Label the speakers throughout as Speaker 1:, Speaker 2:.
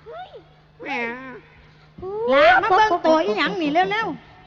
Speaker 1: แม่
Speaker 2: ลามาเบิ่งตัวอีหยังนี่เร็วๆ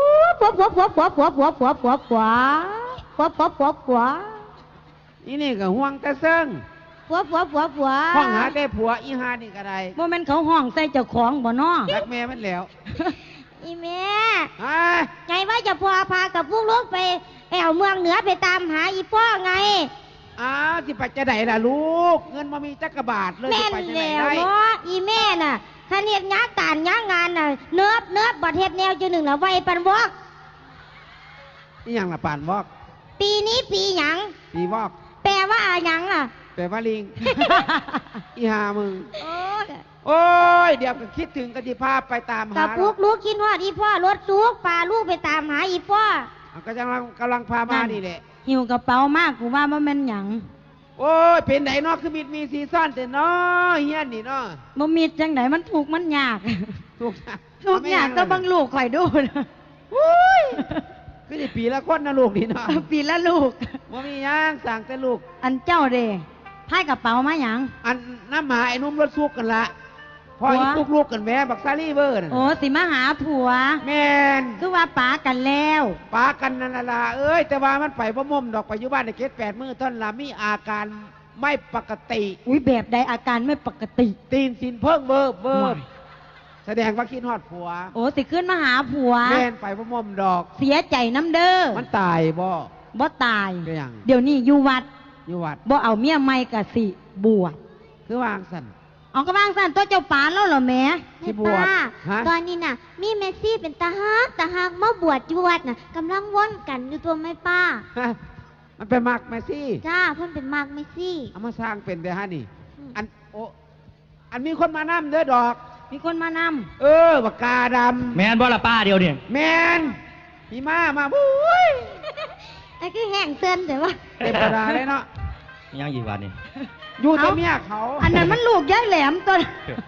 Speaker 2: ผัว
Speaker 1: อีนี่ก็ห่วงแต่เซิงห้องหาได้ผัวอีหานี่ก็ได้
Speaker 2: บ่แม่นเขาห้องใส่เจ้าของบ่น้อ
Speaker 1: รักแม่มันแล้ว
Speaker 3: อีแม่
Speaker 1: ไง
Speaker 3: ไงว่าจะพากับพวกลูกไปแอวเมืองเหนือไปตามหาอีพ่อไง
Speaker 1: อ้าวสิไปจะไหนล่ะลูกเงินมามีจักรบาทเลย
Speaker 3: แม่
Speaker 1: สิ
Speaker 3: น
Speaker 1: ไปจะไหน
Speaker 3: แล้ว
Speaker 1: ได้
Speaker 3: เนาะอีแม่น่ะถ้าเนียดงานการงานงานน่ะเนิบบัดเฮ็ดแนวจุหนึ่งละไว้ปันวอก
Speaker 1: นี่ยังละปานวอก
Speaker 3: ปีนี้ปีหยัง
Speaker 1: ปีวอก
Speaker 3: แปลว่าหยังล่ะ
Speaker 1: แปลว่าลิง อีหามึง
Speaker 3: โอ้ย
Speaker 1: โอ้ยเดี๋ยวก็คิดถึงกันที่ภาพไปตามหา
Speaker 3: กับพวกลูกคิดว่าอีพ่อรถซุกพาลูกไปตามหาอีพ่อ
Speaker 1: ก็กำลังพามานี่แหละ
Speaker 2: หิวกระเป๋ามากกูว่าบ่แม่นหยัง
Speaker 1: โอ้ยเป็นไหนเนาะคือมีซีซั่นแต่เนาะเฮียนนี่เนาะ
Speaker 2: บ่มีจังไดมันถูกข์มันยาก
Speaker 1: ถูก
Speaker 2: ทุกอย่างก็บังลูกข่อยดูนะ
Speaker 1: คือได้ปีละคนนะลูกนี่เนาะ
Speaker 2: ปีละลูก
Speaker 1: ว่ามีหยังสั่งแต่ลูก
Speaker 2: อันเจ้าเด้พายกระเป๋ามาหยัง
Speaker 1: อันน้ำหมาไอ้นุ่มรถซุกกันละพอ
Speaker 2: หัว
Speaker 1: อีตุกลูกกันแม่บักซาลีเวอร์น่ะ
Speaker 2: โอ้สิมาหาผัว
Speaker 1: แม่น
Speaker 2: คือว่าป๋ากันแล้ว
Speaker 1: ปากันนั่นล่ะเอ้ยแต่ว่ามันไปบ่ม่มดอกไปอยู่บ้านในเขต8 มื้อท่อนละมีอาการไม่ปกติ
Speaker 2: อุ้ยแบบใดอาการไม่ปกติ
Speaker 1: ตีนสินเพิ่งเบิบ
Speaker 2: ว้าย
Speaker 1: แสดงว่าคิดฮอดผัว
Speaker 2: โอ้สิขึ้นมาหาผัว
Speaker 1: แม่นไปบ่ม่มดอก
Speaker 2: เสียใจน้ำเด้อ
Speaker 1: มันตายบ่
Speaker 2: บ่ตาย
Speaker 1: ก็ยัง
Speaker 2: เดี๋ยวนี้อยู่วัด
Speaker 1: อยู่วัด
Speaker 2: บ่เอาเมียใหม่กะสิบวช
Speaker 1: คือวางสั่น
Speaker 2: เอากระบางสั่นตัวเจ้าป๋าแล้วเหรอแม่
Speaker 1: ที่บวช
Speaker 3: ป้า
Speaker 1: ฮะ
Speaker 3: ตอนนี้น่ะ มีเมสซี่เป็นตาฮักมาบวชอยู่วัดน่ะกำลังว่อนกันอยู่ตัวไม่ป้า
Speaker 1: ฮะมันไปมักแมซี่
Speaker 3: จ้าเพิ่นเป็นมากเมสซี่
Speaker 1: เอามาสร้างเป็นแต่ฮะนี่
Speaker 3: อืม
Speaker 1: อันโออันมีคนมานํเด้อดอก
Speaker 2: มีคนมาน
Speaker 1: ปากกาด
Speaker 4: แมนบ่ละป้าเดียวเนี่ย
Speaker 1: ำแมนพี่มาบุ้ย
Speaker 3: ไอ้คือแห้งเส้นแต่ว่า
Speaker 1: เต็มกระดาเลยเนาะ
Speaker 4: ยังอยู่วันนี้
Speaker 1: อยู่แต่เมียเขา
Speaker 2: ำอันนั้นมันลูกยายแหลมตัว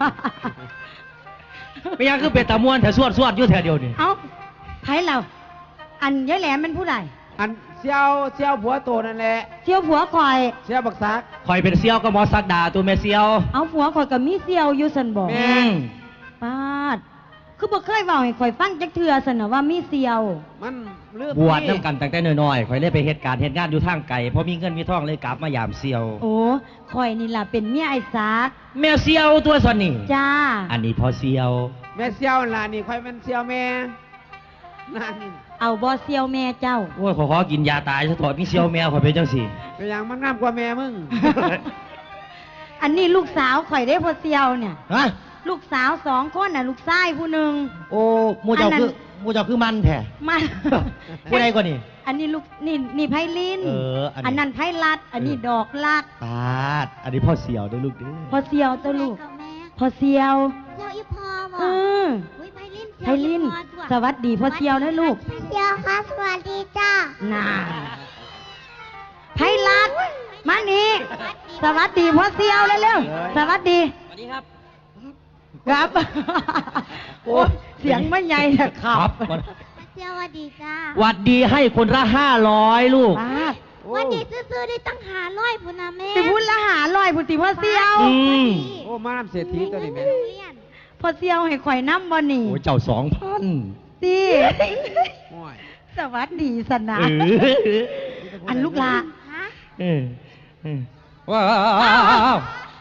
Speaker 4: ไม่ยังคือเป็นตะมวนแต่สวดอยู่แถวเดียวนี่
Speaker 2: เอาไผเราอันยายแหลมเป็นผู้ใด
Speaker 1: อันเสี่ยวผัวโตนั่นแหละ
Speaker 2: เที่ยวผัวคอย
Speaker 1: เสี่ยวบักซัก
Speaker 4: คอยเป็นเซียวก็หมอสักดาตัวแม่เซียว
Speaker 2: เอาผัวคอยกับมีเซียวอยู่สันบอก
Speaker 1: แม่
Speaker 2: ปาดคือบ่เคยเว้าให้คอยฟังจักเทื่อสันน่ะว่ามีเซียว
Speaker 1: มันเลือก
Speaker 4: บวชน้ำกันตั้งแต่น้อยๆคอยเลยไปเหตุการณ์เหตุงานอยู่ทางไกลพอมีเงินมีทองเลยกลับมายามเซียว
Speaker 2: โอ้คอยนี่ล่ะเป็นเมียไอ้สาก
Speaker 4: แม่เซียวตัวสนี่
Speaker 2: จ้า
Speaker 4: อันนี้พอเซียว
Speaker 1: แม่เสี่ยวล่ะนี่ค่อยเป็นเสี่ยวแม่นั่นนี่
Speaker 2: เอาบ่เซียวแม่เจ้า
Speaker 4: โอ้ยขอกินยาตายซะถอดมีเซียวแมวขอยเป็นจังสิ
Speaker 1: ก็ยังมันงามกว่าแม่มึง
Speaker 2: อันนี้ลูกสาวข่อยได้พอเซียวเนี่ย
Speaker 4: ฮะ
Speaker 2: ลูกสาว2 คนน่ะลูกชายผู้หนึ่ง
Speaker 4: โอ้หมูเจ้า
Speaker 2: อันนั้น
Speaker 4: คือหมูเจ้าคือมันแท้
Speaker 2: มา
Speaker 4: ผู้ใดกว่านี่
Speaker 2: อันนี้ลูกนี่ไพลิน
Speaker 4: เอออันนี้
Speaker 2: อันนั้นไพลัด อันนี้ดอกลัด
Speaker 4: ปาดอันนี้พ่อเซียวเด้อลูกเด้อ
Speaker 2: พอเซียวตัวลูก
Speaker 3: กับแม่
Speaker 2: พอเซียว
Speaker 3: เจ้าอีพอบ่
Speaker 2: เออ
Speaker 3: อุ้ยไพลิน
Speaker 2: ไพลิน สวัสดีพอเซียวนะลูก
Speaker 3: เซียวค่ะสวัสดีจ้า
Speaker 2: น่าไพลัด มานี่ สวัสดีพอเซียวเร็วๆสวัสดี
Speaker 4: สวัสดีครับ
Speaker 2: ครับ โอ้เสียงไม่ใหญ่นะครั
Speaker 4: ครับ บ
Speaker 3: เซียวสวัสดีจ้า
Speaker 4: หวัดดีให้คนละ500ลูก
Speaker 2: ป้าด
Speaker 3: วันนี้ซื้อๆได้ตั้ง500พุ่นนะแม่
Speaker 2: ไปพูดละ500พุทธิพอเซียว
Speaker 4: อืม
Speaker 1: โอ้มาน้ำเศรษฐีตัวนี้แม่
Speaker 2: พอเซียวให้ข่อยน้ำบ่นี่
Speaker 4: โอ้ยเจ้า2,000
Speaker 2: สิ
Speaker 1: โอ้ย
Speaker 2: สวัสดีสนะ
Speaker 4: เออ
Speaker 2: อันลูกลา
Speaker 3: ฮะ
Speaker 4: เออว้าว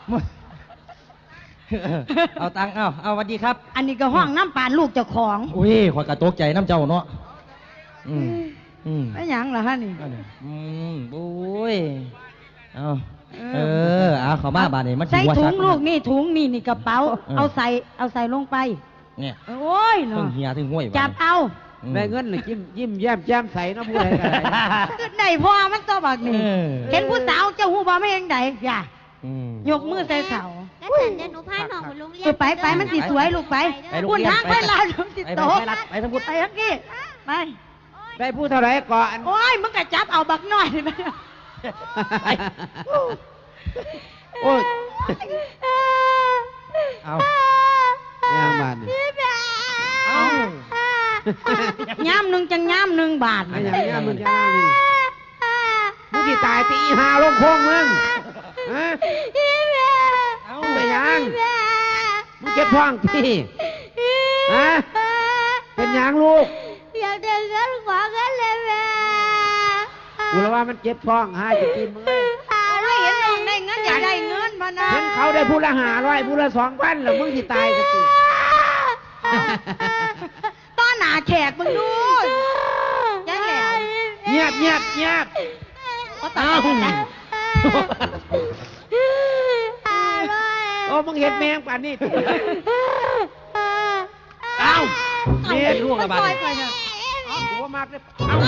Speaker 4: เอาตังค์เอาสวัสดีครับ
Speaker 2: อันนี้ก็ห้องน้ำปานลูกเจ้าของ
Speaker 4: อุ้ยขอยกระตกใจน้ำเจ้าเนาะ
Speaker 2: ไม่หยังเหรอฮะนี่
Speaker 4: โอ้ยเอาเขามาบาดนี้มัน
Speaker 2: ใส่
Speaker 4: ว่า
Speaker 2: ถุ
Speaker 4: ชั
Speaker 2: ง
Speaker 4: ด
Speaker 2: ลูกนี่ถุงนี่กระเป๋า เอาใส่ลงไป
Speaker 4: เนี่ย
Speaker 2: โอ้ย
Speaker 4: ถึ
Speaker 2: เนาะ
Speaker 4: งเฮียถึงห้วย
Speaker 2: จับเอา
Speaker 1: ได้เงินเลยยิ้มแย้มแจ่มใสเนาะผู้ใดก็ได้
Speaker 2: คือได้พ่อมันตัวบักนี่เห็นผู้สาวเจ้าหูบ่ไม่เองใดอย่า ยกมือใส่เสา
Speaker 3: ก็ฉันเดี๋ยวหนูพาน้องไปโรงเรียน
Speaker 2: ไปมันสิสวยลูกไปคุณทางเวลาลูกสิโต
Speaker 4: ไปทั้งพุทธ
Speaker 2: ไปทั้งกี้ไป
Speaker 1: ได้ผู้เท่าไหรก่อน
Speaker 2: โอ้ยมึงก็จับเอาบักน้อยไป
Speaker 1: โอ้ย
Speaker 4: เอา
Speaker 1: ไม่ยังบาทนี่
Speaker 4: เอา
Speaker 2: ย่ำหนึ่งจังย่ำหนึ่งบาท
Speaker 1: ไม่ยังย่ามึงจะนั่งนี่มึงสิตายตีหาลงโค้งมึงฮะ
Speaker 4: เอา
Speaker 1: ไปยังเจ็บท้องที่ฮะเป็นหยังลูก
Speaker 3: อยากได้เงินขอเงินเลยแม่
Speaker 1: กูรู้ว่ามันเจ็บท้องหาจะกินมึงเลย
Speaker 2: ไม่เห็นน้องได้เงินอยากได้เงินมานะ
Speaker 1: เห็นเขาได้ผู้ละ500ผู้ละ2,000แล้วมึงสิตายกันสิ
Speaker 2: ต้อนหนาแขกมึงดูยังแหละ
Speaker 1: เงียบเงียบเงียบ
Speaker 2: เขาตาย
Speaker 1: โอ้มึงเห็นแมงป่านนี้เอ้าเมียลูกระบาด
Speaker 2: ไปเนี่ย
Speaker 1: กูว่ามากเลยเอ้า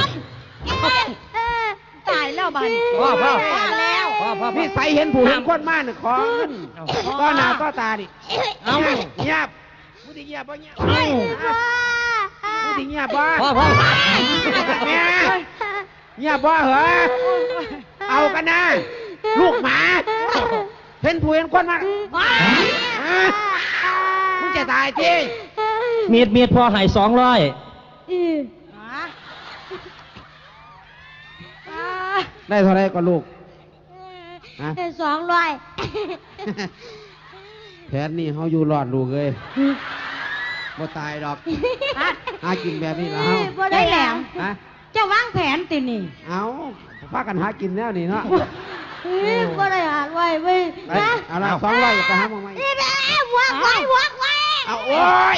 Speaker 2: ตายแล้วบัน
Speaker 1: พ่อ
Speaker 2: ว่าแล้ว
Speaker 1: นี่ใส่เห็นผู้เห็นคนมากเนี่ยของเงินก็หนาก็ตาดิเอ้าเงียบมึงสิเงียบป่ะเงียบมึงสิเงียบป่ะแม่เงียบป่ะเหรอเอากันนะลูกหมาเห็นผู้เห็นคนมากมึงจะตายที
Speaker 4: มีดพอใหาย200
Speaker 1: ได้เท่าไรก็ลูกฮะ
Speaker 3: 200
Speaker 1: แผนนี่เขาอยู่รอดลูกเลยบ่ตายดอกหากินแบบนี้แล้ว
Speaker 2: ได้แหลม
Speaker 1: ฮะ
Speaker 2: จะวางแผนตินี่
Speaker 1: เอาพากันหากินแล้วนี่เนาะ
Speaker 3: บ่ได้หาไว้เว้ย
Speaker 1: ไปเอาละ200ไปหามึงไหม
Speaker 3: นี่แม่วักไว้วักไว้
Speaker 1: เอาโอ้ย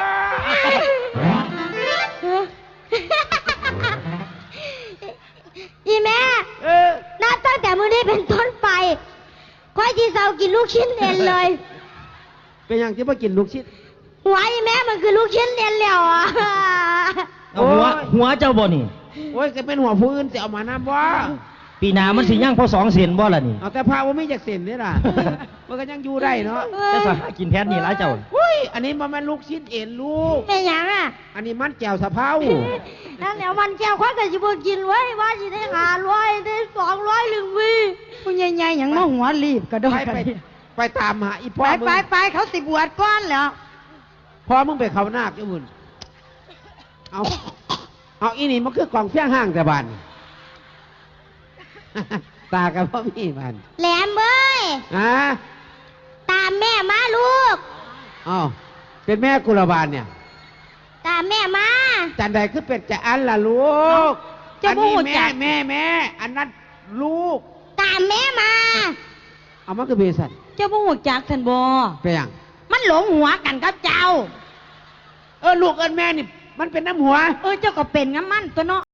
Speaker 3: อีแม่ นับตั้งแต่มื้อนี้เป็นต้นไปค่อยที่เซากินลูกชิ้นเอ็นเลย
Speaker 1: เป็นอย่างที่มากินลูกชิ้น
Speaker 3: หัวอีแม่มันคือลูกชิ้นเอ็นแล้วอ่ะ
Speaker 4: เอาหัวเจ้าบ่นี่
Speaker 1: โอ้ยจะเป็นหัวผู้อื่นจะเอามาน้ำบ่
Speaker 4: ปีหน้ามันสิย่างพอ2 เซนบ่ล่ะนี่
Speaker 1: เอาแต่พาว่าไม่จากเส้นนี่ล่ะ มันก็ยังอยู่ได้เนาะ
Speaker 4: จะสหากินแทนนี่หลายเจ้า
Speaker 1: อุ้ยอันนี้มันลูกชิ้นเอ็นลูก
Speaker 3: เป็นหยังอ่ะ
Speaker 1: อันนี้มันแจ่วสะเพรา
Speaker 3: นั่นเดี๋ยววันแก้วค่อยก็สิบ่กินไว้ว่าสิได้500ได้200ลึงวี
Speaker 2: ผู้ใหญ่ๆอย่างมาหัวรีบกระโดด
Speaker 1: ไปตามหาอีพ่อ
Speaker 2: ไป
Speaker 1: มึง
Speaker 2: ไปเขาสิบวชก้อนแล้ว
Speaker 1: พ่อมึงไปเขานาคจ้ามื่นเอาอีนี่มันคือกล่องเพียงห้างแต่บาน ตากับพ่อมีบาน
Speaker 3: แหลมเอ้ย
Speaker 1: ฮะ
Speaker 3: ตามแม่มาลูก
Speaker 1: อ้าวเป็นแม่กุลบาลเนี่ย
Speaker 3: ตามแม่มา
Speaker 1: จันใดคือเป็นจะอันล่ะลูก
Speaker 2: เจ้า
Speaker 1: อัน
Speaker 2: บ่
Speaker 1: นี้
Speaker 2: ฮู้จั
Speaker 1: แม่
Speaker 2: ก
Speaker 1: แม่อันนั้นลูก
Speaker 3: ตามแม่มา
Speaker 1: เอามันคือเบสัน
Speaker 2: เจ้าบ่ฮู้จักท่านบ่
Speaker 1: เป็นอย่าง
Speaker 2: มันหลงหัวกันกับเจ้า
Speaker 1: ลูกเอินแม่นี่มันเป็นน้ำหัว
Speaker 2: เจ้าก็เป็นงั้นมันตัวเนาะ